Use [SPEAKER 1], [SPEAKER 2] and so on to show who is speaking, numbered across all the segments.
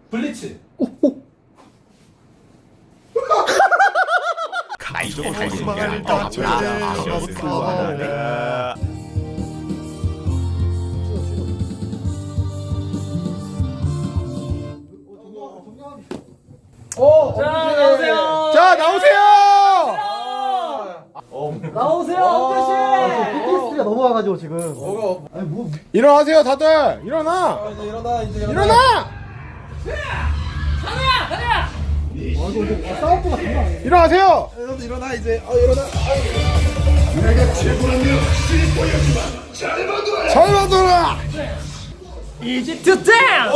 [SPEAKER 1] 블리츠.
[SPEAKER 2] 거짓말을 다
[SPEAKER 3] 자, 나오세요.
[SPEAKER 2] 자 나오세요.
[SPEAKER 3] 나오세요, 엄태씨.
[SPEAKER 4] PTSD가 넘어와가지고 지금. 아니 뭐
[SPEAKER 2] 일어나세요 다들. 일어나.
[SPEAKER 1] 이제 일어나 이제
[SPEAKER 2] 일어나.
[SPEAKER 3] 가자.
[SPEAKER 4] 싸움도 장난 아니에요.
[SPEAKER 2] 일어나세요.
[SPEAKER 1] 일어나 이제 일어나.
[SPEAKER 2] 잘 받아라.
[SPEAKER 3] 이집트 댄스.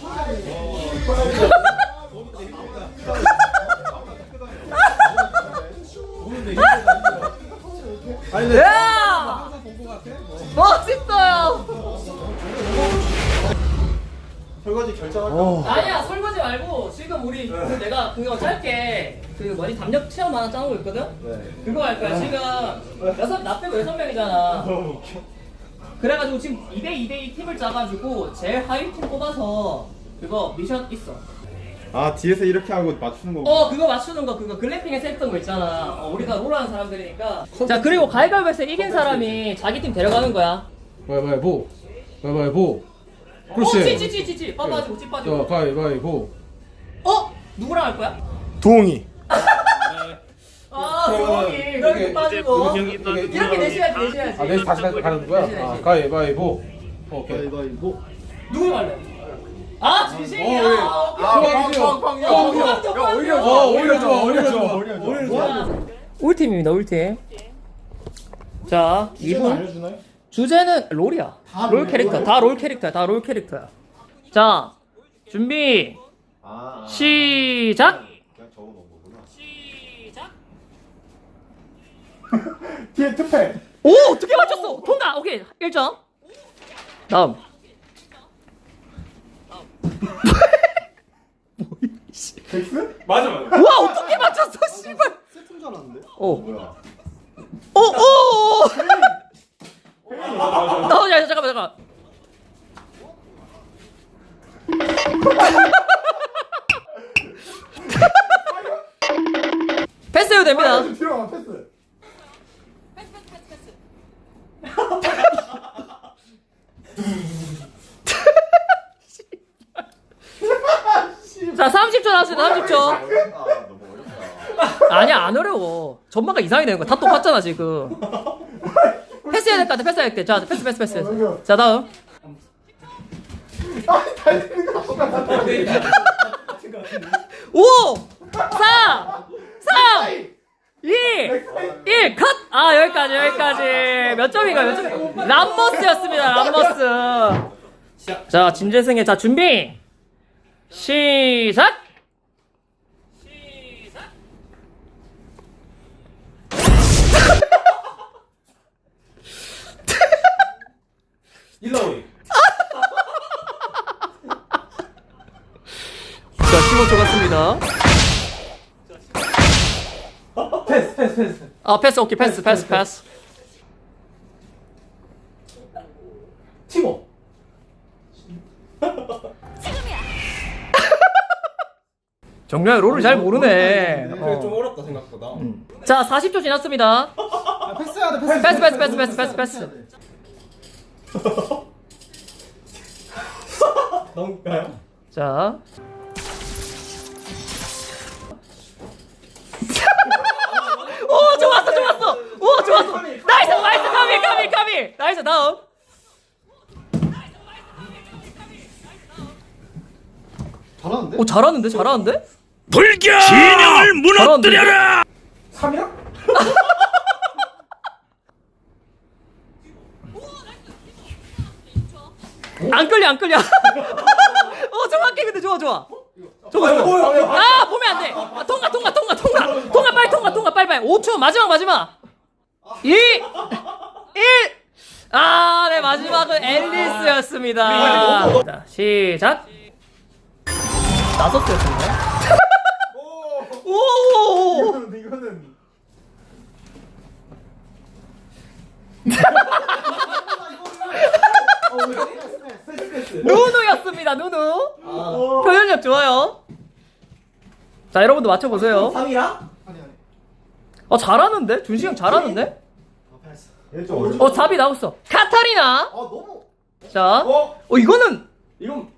[SPEAKER 3] 야! 멋있어요.
[SPEAKER 1] 설거지 결정할까?
[SPEAKER 3] 아니야, 설거지 말고 지금 우리 내가 그거 짧게 그 뭐지 담력 체험 하나 짜는 거 있거든. 그거 할 거야. 지금 나 빼고 6명이잖아. 그래가지고 지금 2대2 팀을 짜가지고 제일 하위 팀 뽑아서 그거 미션 있어.
[SPEAKER 1] 아 뒤에서 이렇게 하고 맞추는 거.
[SPEAKER 3] 그거 맞추는 거 그거 글램핑에서 했던 거 있잖아. 우리가 롤하는 사람들이니까. 자, 그리고 가위바위보에서 이긴 사람이 자기 팀 데려가는 거야.
[SPEAKER 5] 가위바위보. 가위바위보.
[SPEAKER 3] 찌찌찌찌찌 빠빠지고 찌빠지고.
[SPEAKER 5] 가위바위보.
[SPEAKER 3] 누구랑 할 거야?
[SPEAKER 2] 동이.
[SPEAKER 3] 도영이 이렇게 빠지고 이렇게 내셔야지.
[SPEAKER 5] 아, 내일 다시 가는 거야? 가위바위보. 오케이.
[SPEAKER 4] 가위바위보.
[SPEAKER 3] 누구 할래? 진심이야.
[SPEAKER 5] 오히려 좋아.
[SPEAKER 3] 울 팀입니다. 울 팀. 자, 이분
[SPEAKER 1] 알려주나요?
[SPEAKER 3] 주제는 롤이야. 롤 캐릭터. 다 롤 캐릭터야. 다 롤 캐릭터야. 자, 준비. 시작.
[SPEAKER 1] 그냥 적어놓은 거구나.
[SPEAKER 3] 시작.
[SPEAKER 2] 뒤에 투패.
[SPEAKER 3] 오, 어떻게 맞췄어? 통과. 오케이. 1점. 다음.
[SPEAKER 2] 덱스?
[SPEAKER 1] 맞아.
[SPEAKER 3] 와, 어떻게 맞췄어? 씨발.
[SPEAKER 4] 세트인 줄 알았는데.
[SPEAKER 1] 뭐야?
[SPEAKER 3] 야, 잠깐만. 패스해도 됩니다.
[SPEAKER 2] 들어가 패스.
[SPEAKER 3] 자, 30초 나왔습니다. 30초.
[SPEAKER 1] 너무 어렵다.
[SPEAKER 3] 아니야, 안 어려워. 전망가 이상이 되는 거야. 다 똑같잖아, 지금. 패스해야 될 것 같아. 패스해야 돼. 자, 패스. 자, 다음. 오! 4! 3! 2! 1! 컷! 여기까지. 몇 점인가요? 람머스였습니다. 람머스. 자, 진재승의 자, 준비. 시작!
[SPEAKER 1] 일러위.
[SPEAKER 3] 자, 15초 갔습니다.
[SPEAKER 1] 패스.
[SPEAKER 3] 패스, 오케이, 패스.
[SPEAKER 1] 티모.
[SPEAKER 3] 정말 롤을 잘 모르네.
[SPEAKER 1] 그래 좀 어렵다 생각보다.
[SPEAKER 3] 자, 40초 지났습니다.
[SPEAKER 4] 패스해야 돼.
[SPEAKER 3] 패스.
[SPEAKER 1] 넘을까요?
[SPEAKER 3] 자. 오, 좋았어. 오, 좋았어. 나이스, 까비. 나이스, 다음.
[SPEAKER 4] 잘하는데?
[SPEAKER 3] 오, 잘하는데?
[SPEAKER 6] 불교 진영을 무너뜨려라.
[SPEAKER 1] 3이야?
[SPEAKER 3] 안 끌려. 정확해. 근데 좋아. 저거. 보면 안 돼. 통과, 빨리. 5초, 마지막. 2, 1. 네, 마지막은 앨리스였습니다. 자, 시작. 나섰어요. 오!
[SPEAKER 1] 이거는
[SPEAKER 3] 누누였습니다. 누누. 표현력 좋아요. 자, 여러분도 맞춰보세요.
[SPEAKER 1] 3이랑?
[SPEAKER 3] 잘하는데? 준식이 형 잘하는데?
[SPEAKER 2] 얘좀
[SPEAKER 3] 답이 나왔어. 카타리나.
[SPEAKER 2] 너무.
[SPEAKER 3] 자, 이거는
[SPEAKER 1] 이건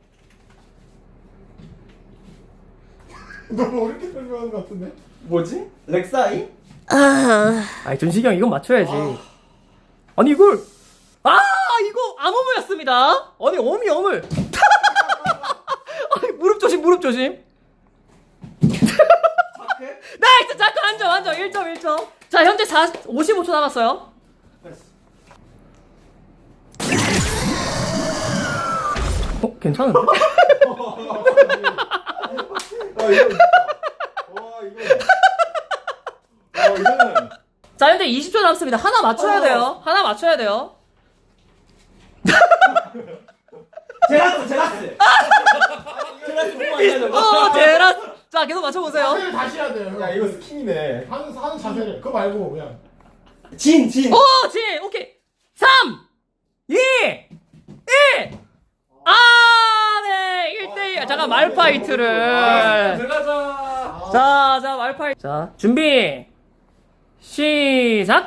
[SPEAKER 2] 너무 어렵게 설명하는 것 같은데.
[SPEAKER 1] 뭐지? 렉사이?
[SPEAKER 3] 아니 준식이 형 이건 맞춰야지. 아니 이걸 이거 암호무였습니다. 아니 어물. 아니 무릎 조심. 나이스 잠깐 앉아 1점. 자 현재 55초 남았어요. 괜찮은데?
[SPEAKER 1] 이거는
[SPEAKER 3] 자 현재 20초 남았습니다. 하나 맞춰야 돼요.
[SPEAKER 1] 제라스 너무 많이 하는
[SPEAKER 3] 제라. 자 계속 맞춰보세요.
[SPEAKER 2] 자세를 다시 해야 돼요.
[SPEAKER 1] 야 이거 스킨이네.
[SPEAKER 2] 하는 자세를. 그거 말고 그냥.
[SPEAKER 1] 진
[SPEAKER 3] 진 오케이 3 2 1 네 1대1 잠깐 말파이트를
[SPEAKER 1] 들어가자.
[SPEAKER 3] 자 말파이트 자 준비 시작.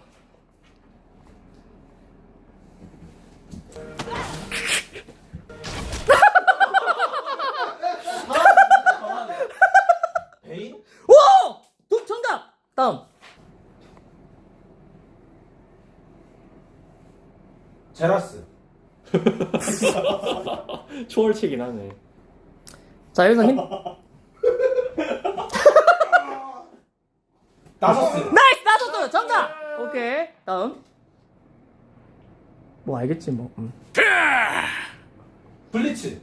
[SPEAKER 1] 베인?
[SPEAKER 3] 오! 독 정답! 다음
[SPEAKER 1] 제라스. 초월치긴 하네.
[SPEAKER 3] 자 여기서 힘
[SPEAKER 1] 나서스.
[SPEAKER 3] 나이스! 나섰어요! 정답! 오케이 다음 뭐 알겠지 뭐
[SPEAKER 1] 블리츠.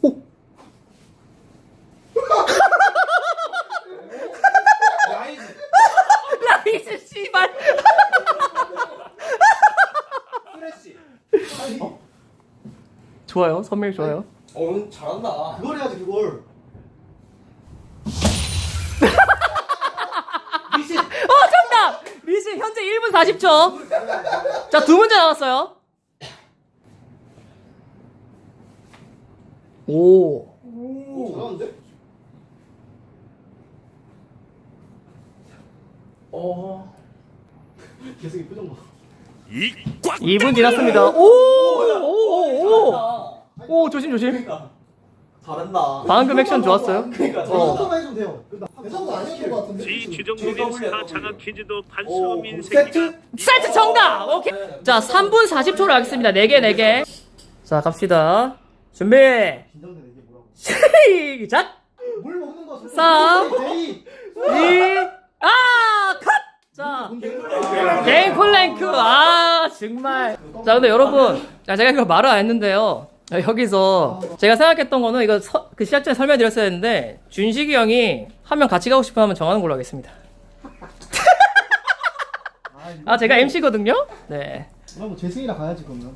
[SPEAKER 1] 라이즈.
[SPEAKER 3] 라이즈 씨발
[SPEAKER 1] 프레시.
[SPEAKER 3] 좋아요 선밀 좋아요
[SPEAKER 1] 잘한다.
[SPEAKER 4] 그걸 해야지 그걸.
[SPEAKER 3] 정답! 미신 현재 1분 40초 자 2문제 남았어요 오
[SPEAKER 2] 잘하는데?
[SPEAKER 3] 2분 지났습니다 오 조심
[SPEAKER 1] 잘한다.
[SPEAKER 3] 방금 액션 좋았어요
[SPEAKER 4] 저것만 해주면 돼요.
[SPEAKER 2] 대상도 아니었던 것 같은데.
[SPEAKER 6] 지 주정동의 스타 장학 퀴즈도 판수업 인생이다.
[SPEAKER 3] 세트 정답! 오케이 자 3분 40초로 하겠습니다 4개 자 갑시다 준비
[SPEAKER 4] 긴장되네 이게 뭐라고.
[SPEAKER 3] 시작!
[SPEAKER 4] 물 먹는 거.
[SPEAKER 3] 3
[SPEAKER 4] 제이.
[SPEAKER 3] 2 컷! 자 개인 콜랭크 정말 자 근데 여러분 제가 이거 말을 안 했는데요 여기서 제가 생각했던 거는 이거 그 시작 전에 설명드렸어야 했는데 준식이 형이 한 명 같이 가고 싶으면 정하는 걸로 하겠습니다 제가 MC거든요 네
[SPEAKER 4] 뭐 재승이랑 가야지 그러면.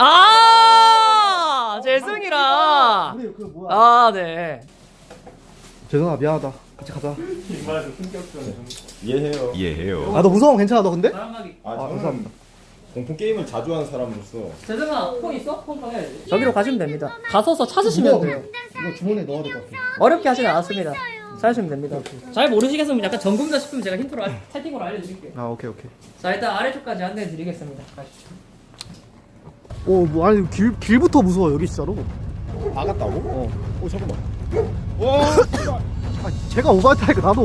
[SPEAKER 3] 재승이랑
[SPEAKER 4] 우리 그 뭐야.
[SPEAKER 3] 네
[SPEAKER 4] 재승아 미안하다. 같이 가자.
[SPEAKER 1] 정말 좀 충격적이네. 이해해요.
[SPEAKER 6] 이해해요.
[SPEAKER 4] 너 무서움 괜찮아 너 근데?
[SPEAKER 3] 바람막이
[SPEAKER 4] 감사합니다.
[SPEAKER 1] 공포 게임을 자주 하는 사람으로서
[SPEAKER 3] 재승아 폰 있어? 폰 꺼내야지 저기로 가시면 됩니다 가서서 찾으시면 돼요
[SPEAKER 4] 이거 주머니에 넣어야 될 것 같아.
[SPEAKER 3] 어렵게 하지는 않았습니다 찾으시면 됩니다 잘 모르시겠으면 약간 전공자 싶으면 제가 힌트로 채팅으로 알려드릴게요
[SPEAKER 4] 아 오케이.
[SPEAKER 3] 자 일단 아래쪽까지 안내해 드리겠습니다 가시죠
[SPEAKER 4] 뭐 아니 길부터 무서워 여기 진짜로.
[SPEAKER 2] 나갔다고? 오 잠깐만.
[SPEAKER 4] 제가 오버타니까 나도.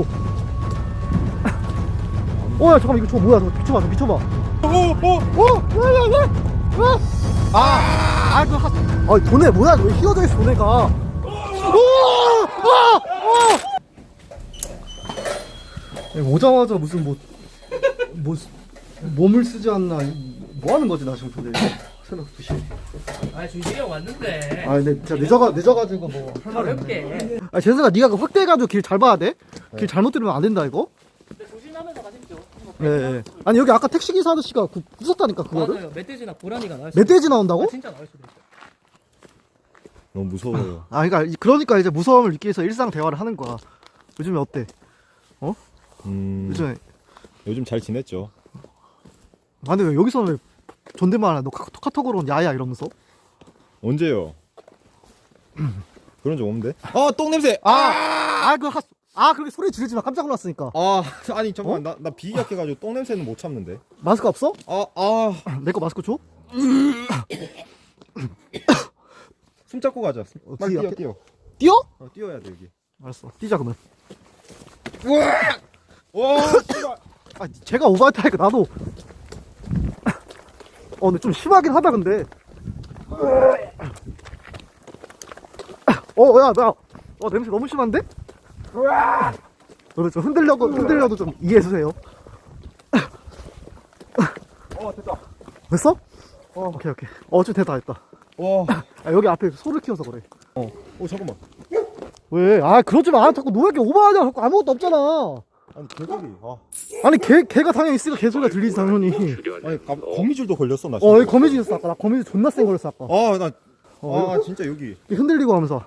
[SPEAKER 4] 야 잠깐만 이거 저거 뭐야? 저거 미쳐봐. 도네 뭐야? 왜 휘어져 있어 도네가? 오자마자 무슨 뭐 몸을 쓰지 않나 뭐 하는 거지 나 지금 도대체 새벽 2시.
[SPEAKER 3] 준식이 형 왔는데
[SPEAKER 4] 근데 진짜 늦어가지고 뭐 할 말이 없네.
[SPEAKER 3] 가볍게
[SPEAKER 4] 재승아 네가 그 확대해가지고 길 잘 봐야 돼. 길 잘못 들으면 안 된다 이거.
[SPEAKER 3] 조심하면서 가십시오
[SPEAKER 4] 네. 아니 여기 아까 택시기사 아저씨가 부쉈다니까 그거를.
[SPEAKER 3] 맞아요 멧돼지나 고라니가 나올 수도
[SPEAKER 4] 멧돼지 나온다고?
[SPEAKER 3] 진짜 나올 수도 있어요
[SPEAKER 2] 너무 무서워요.
[SPEAKER 4] 그러니까 이제 무서움을 느끼기 위해서 일상 대화를 하는 거야. 요즘에 어때? 요즘에
[SPEAKER 2] 요즘 잘 지냈죠?
[SPEAKER 4] 근데 왜 여기서는 왜 존댓말 하나? 너 카톡으로는 야야 이러면서?
[SPEAKER 2] 언제요?
[SPEAKER 1] 그런 적 없는데? 아, 똥 냄새!
[SPEAKER 4] 그렇게 소리 지르지 마. 깜짝 놀랐으니까.
[SPEAKER 1] 아니, 잠깐만. 나 비위 약해가지고 똥 냄새는 못 참는데.
[SPEAKER 4] 마스크 없어?
[SPEAKER 1] 아.
[SPEAKER 4] 내 거 마스크 줘?
[SPEAKER 1] 숨 잡고 가자. 빨리
[SPEAKER 4] 뒤에
[SPEAKER 1] 뛰어.
[SPEAKER 4] 뛰어?
[SPEAKER 1] 뛰어야 돼, 여기.
[SPEAKER 4] 알았어. 뛰자 그러면.
[SPEAKER 1] 와, 씨발.
[SPEAKER 4] 제가 오버할 때 하니까 나도. 근데 좀 심하긴 하다 근데. 냄새 너무 심한데? 너네 좀 흔들려도 좀 이해해주세요.
[SPEAKER 1] 됐다.
[SPEAKER 4] 됐어? 오케이. 좀 됐다.
[SPEAKER 1] 와.
[SPEAKER 4] 여기 앞에 소를 키워서 그래.
[SPEAKER 1] 잠깐만.
[SPEAKER 4] 왜? 그러지 마. 자꾸 너 왜 이렇게 오버하냐? 자꾸 아무것도 없잖아.
[SPEAKER 1] 아니, 개소리.
[SPEAKER 4] 아니, 개가 당연히 있으니까 개소리가 들리지, 당연히.
[SPEAKER 1] 아니, 거미줄도 걸렸어, 나.
[SPEAKER 4] 여기 거미줄 있었어, 아까. 나 거미줄 존나 센 걸렸어, 아까.
[SPEAKER 1] 진짜 여기.
[SPEAKER 4] 흔들리고 하면서.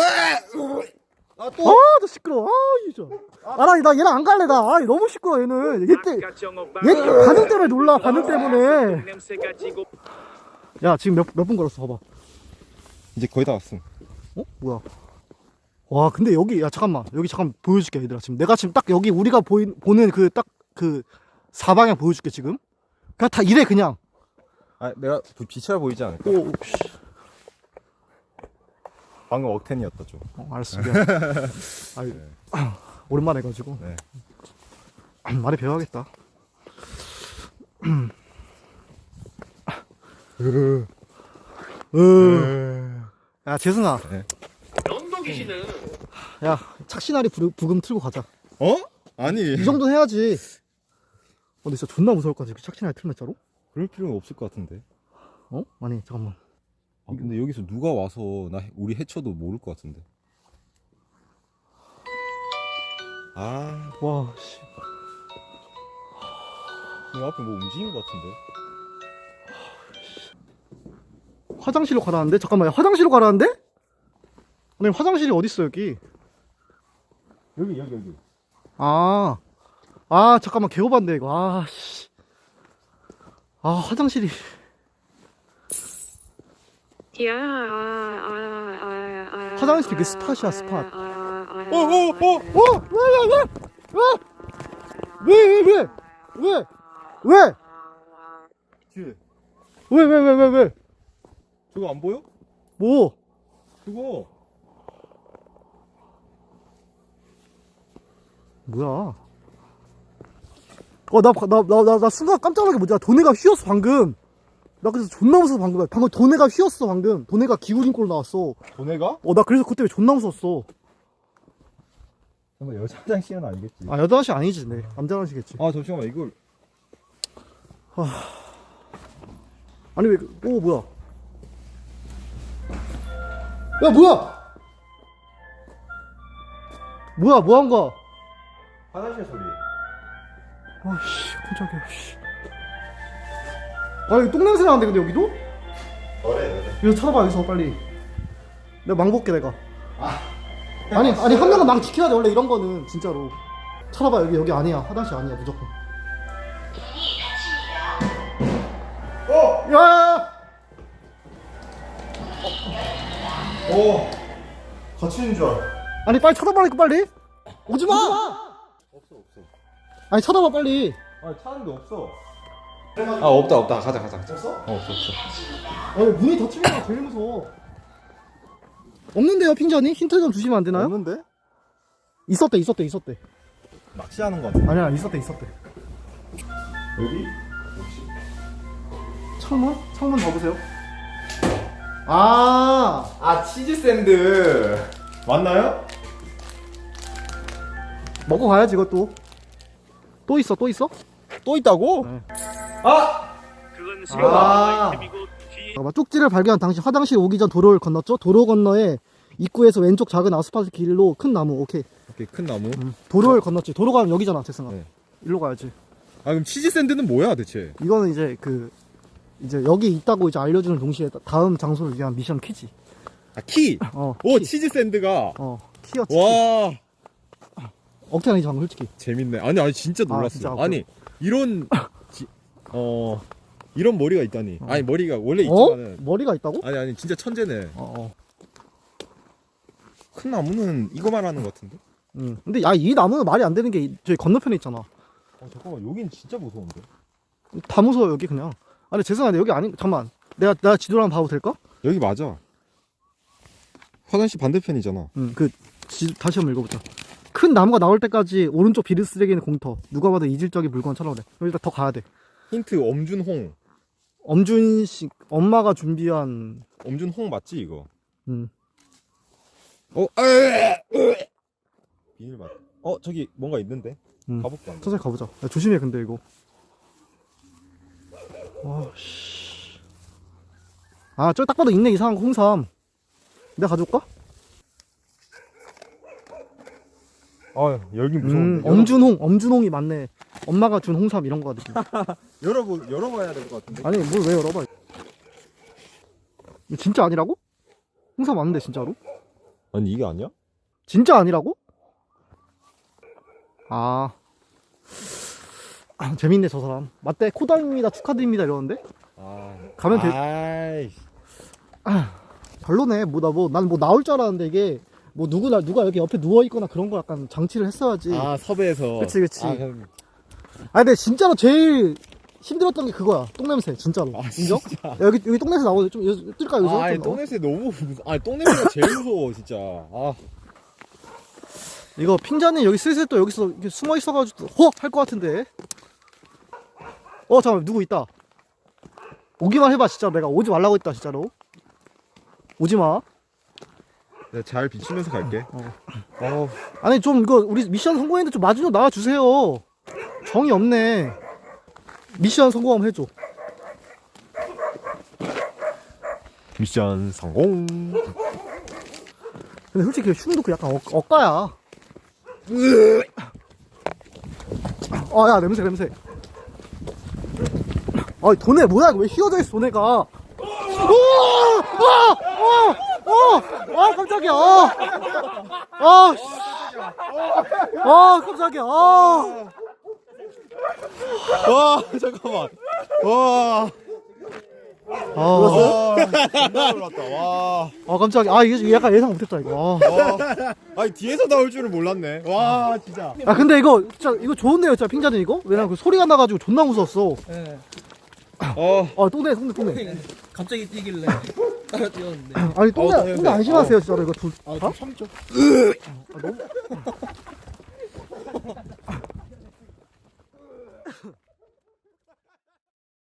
[SPEAKER 1] 또.
[SPEAKER 4] 너 시끄러워. 진짜. 나 얘랑 안 갈래, 나. 너무 시끄러워, 얘는. 얘 반응 때문에 놀라, 반응 때문에. 야, 지금 몇 분 걸었어, 봐봐.
[SPEAKER 1] 이제 거의 다 왔음.
[SPEAKER 4] 뭐야. 와, 근데 여기, 잠깐만. 여기 잠깐 보여줄게, 얘들아. 내가 지금 딱 여기 우리가 보는 그 사방향 보여줄게, 지금. 그냥 다 이래, 그냥.
[SPEAKER 1] 내가 빛이라 보이지 않을까? 방금 억텐이었다, 좀.
[SPEAKER 4] 알았어, 미안. 오랜만에 해가지고.
[SPEAKER 1] 네.
[SPEAKER 4] 많이 배워야겠다. 야, 재승아.
[SPEAKER 1] 네.
[SPEAKER 4] 야, 착신아리 부금 틀고 가자.
[SPEAKER 1] 아니.
[SPEAKER 4] 이 정도는 해야지. 근데 진짜 존나 무서울 것 같아. 착신아리 틀면 진짜로?
[SPEAKER 1] 그럴 필요는 없을 것 같은데.
[SPEAKER 4] 아니, 잠깐만.
[SPEAKER 1] 근데 여기서 누가 와서 우리 해쳐도 모를 것 같은데.
[SPEAKER 4] 와, 씨.
[SPEAKER 1] 이 앞에 뭐 움직인 것 같은데.
[SPEAKER 4] 화장실로 가라는데? 잠깐만, 화장실로 가라는데? 아니, 화장실이 어딨어, 여기?
[SPEAKER 1] 여기.
[SPEAKER 4] 잠깐만, 개오반데, 이거. 씨. 화장실이. 화장실이 그 스팟이야, 스팟. 왜?
[SPEAKER 1] 뒤에.
[SPEAKER 4] 왜?
[SPEAKER 1] 저거 안 보여?
[SPEAKER 4] 뭐?
[SPEAKER 1] 그거.
[SPEAKER 4] 뭐야? 나 순간 깜짝 놀란 게 뭐지? 도네가 휘었어, 방금. 나 그래서 존나 무서워서 방금 도네가 휘었어, 방금. 도네가 기울인 꼴로 나왔어.
[SPEAKER 1] 도네가?
[SPEAKER 4] 나 그래서 그때 존나 무서웠어.
[SPEAKER 1] 잠깐 여자 화장실은 아니겠지.
[SPEAKER 4] 여자 화장실 아니지, 네. 남자 화장실이겠지.
[SPEAKER 1] 잠시만, 이걸.
[SPEAKER 4] 아니, 왜, 뭐야. 야, 뭐야! 뭐 한 거야?
[SPEAKER 1] 화장실 소리.
[SPEAKER 4] 깜짝이야, 씨. 여기 똥냄새 나는데, 근데 여기도?
[SPEAKER 1] 그래.
[SPEAKER 4] 여기서 찾아봐, 여기서 빨리. 내가 망 볼게, 내가. 아니, 한 명은 망 지켜야 돼, 원래 이런 거는, 진짜로. 찾아봐, 여기 아니야. 화장실 아니야, 무조건. 야!
[SPEAKER 1] 같이 있는 줄 알아.
[SPEAKER 4] 아니, 빨리 쳐다보라니까, 빨리. 오지 마!
[SPEAKER 1] 없어.
[SPEAKER 4] 아니, 쳐다봐, 빨리.
[SPEAKER 1] 찾는데 없어.
[SPEAKER 5] 없다. 가자.
[SPEAKER 1] 없어? 없어.
[SPEAKER 4] 아니, 문이 닫히는 게 제일 무서워. 없는데요, 핑전이? 힌트 좀 주시면 안 되나요?
[SPEAKER 1] 없는데?
[SPEAKER 4] 있었대.
[SPEAKER 1] 낚시하는 거 같아.
[SPEAKER 4] 아니야, 있었대.
[SPEAKER 1] 여기?
[SPEAKER 4] 창문 봐보세요.
[SPEAKER 1] 치즈 샌드. 맞나요?
[SPEAKER 4] 먹고 가야지, 이것도. 또 있어?
[SPEAKER 1] 또 있다고?
[SPEAKER 4] 네.
[SPEAKER 6] 그건 생각 아이템이고 뒤에
[SPEAKER 4] 잠깐만, 쪽지를 발견한 당시 화장실 오기 전 도로를 건넜죠? 도로 건너에 입구에서 왼쪽 작은 아스팔트 길로 큰 나무. 오케이.
[SPEAKER 1] 큰 나무.
[SPEAKER 4] 도로를 건넜지. 도로 가면 여기잖아, 재승아.
[SPEAKER 1] 네.
[SPEAKER 4] 일로 가야지.
[SPEAKER 1] 그럼 치즈 샌드는 뭐야, 대체?
[SPEAKER 4] 이거는 이제 여기 있다고 이제 알려주는 동시에 다음 장소를 위한 미션 키지.
[SPEAKER 1] 키.
[SPEAKER 4] 키.
[SPEAKER 1] 치즈 샌드가.
[SPEAKER 4] 키였지.
[SPEAKER 1] 와.
[SPEAKER 4] 억지 아니지, 방금 솔직히.
[SPEAKER 1] 재밌네. 아니 진짜 놀랐어.
[SPEAKER 4] 진짜?
[SPEAKER 1] 아니 이런 이런 머리가 있다니. 아니 머리가 원래 있지만은.
[SPEAKER 4] 머리가 있다고?
[SPEAKER 1] 아니 진짜 천재네. 큰 나무는 이거 말하는 것 같은데?
[SPEAKER 4] 근데 야, 이 나무는 말이 안 되는 게 저기 건너편에 있잖아.
[SPEAKER 1] 잠깐만, 여긴 진짜 무서운데?
[SPEAKER 4] 다 무서워 여기 그냥. 아니 죄송한데 여기 아니 잠깐만. 내가 지도를 한번 봐도 될까?
[SPEAKER 1] 여기 맞아. 화장실 반대편이잖아.
[SPEAKER 4] 그 다시 한번 읽어보자. 큰 나무가 나올 때까지 오른쪽 비료 쓰레기는 공터. 누가 봐도 이질적인 물건 찾아오래. 일단 더 가야 돼.
[SPEAKER 1] 힌트, 엄준홍.
[SPEAKER 4] 엄준씨 엄마가 준비한.
[SPEAKER 1] 엄준홍 맞지, 이거?
[SPEAKER 4] 음.
[SPEAKER 1] 비닐 맞. 저기 뭔가 있는데? 가볼까?
[SPEAKER 4] 천천히 가보자. 야, 조심해 근데 이거. 와 씨. 아 저기 딱 봐도 있네 이상한 거 홍삼. 내가 가져올까?
[SPEAKER 1] 열긴 무서운데.
[SPEAKER 4] 엄준홍이 맞네. 엄마가 준 홍삼 이런 거 같아.
[SPEAKER 1] 열어봐야 될 것 같은데.
[SPEAKER 4] 아니 뭘 왜 열어봐. 이거 진짜 아니라고? 홍삼 맞는데 진짜로?
[SPEAKER 1] 아니, 이게 아니야?
[SPEAKER 4] 진짜 아니라고? 재밌네 저 사람. 맞대 코다입니다 축하드립니다 이러는데. 가면 돼. 별로네. 난 뭐 나올 줄 알았는데 이게 뭐 누가 여기 옆에 누워 있거나 그런 거 약간 장치를 했어야지.
[SPEAKER 1] 섭외해서.
[SPEAKER 4] 그치. 근데 진짜로 제일 힘들었던 게 그거야. 똥냄새 진짜로. 인정? 야, 여기 똥냄새 나오는데 좀 뜰까 여기서?
[SPEAKER 1] 똥냄새 너무 똥냄새가 제일 무서워, 진짜.
[SPEAKER 4] 이거 핑자님 여기 슬슬 또 여기서 이렇게 숨어 있어가지고 할 것 같은데. 잠깐만 누구 있다. 오기만 해봐 진짜. 내가 오지 말라고 했다 진짜로. 오지마.
[SPEAKER 1] 내가 잘 비추면서 갈게.
[SPEAKER 4] 아니 좀 이거 우리 미션 성공했는데 좀 마주 좀 나와주세요. 정이 없네. 미션 성공하면 해줘.
[SPEAKER 1] 미션 성공.
[SPEAKER 4] 근데 솔직히 흉도 그 약간 억가야. 야 냄새. 도네 뭐야 이거 왜 휘어져 있어 도네가. 깜짝이야. 깜짝이야.
[SPEAKER 1] 잠깐만. 존나 놀랐다.
[SPEAKER 4] 깜짝이야. 이게 약간 예상 못했다 이거.
[SPEAKER 1] 아니, 뒤에서 나올 줄은 몰랐네. 진짜.
[SPEAKER 4] 근데 이거 진짜 이거 좋은데요 진짜 핑자는 이거? 왜냐면 그 소리가 나가지고 존나 무서웠어. 똥내.
[SPEAKER 3] 갑자기 뛰길래 따라 뛰었는데.
[SPEAKER 4] 아니 똥내 안심하세요 진짜로 이거 다?
[SPEAKER 1] 참죠.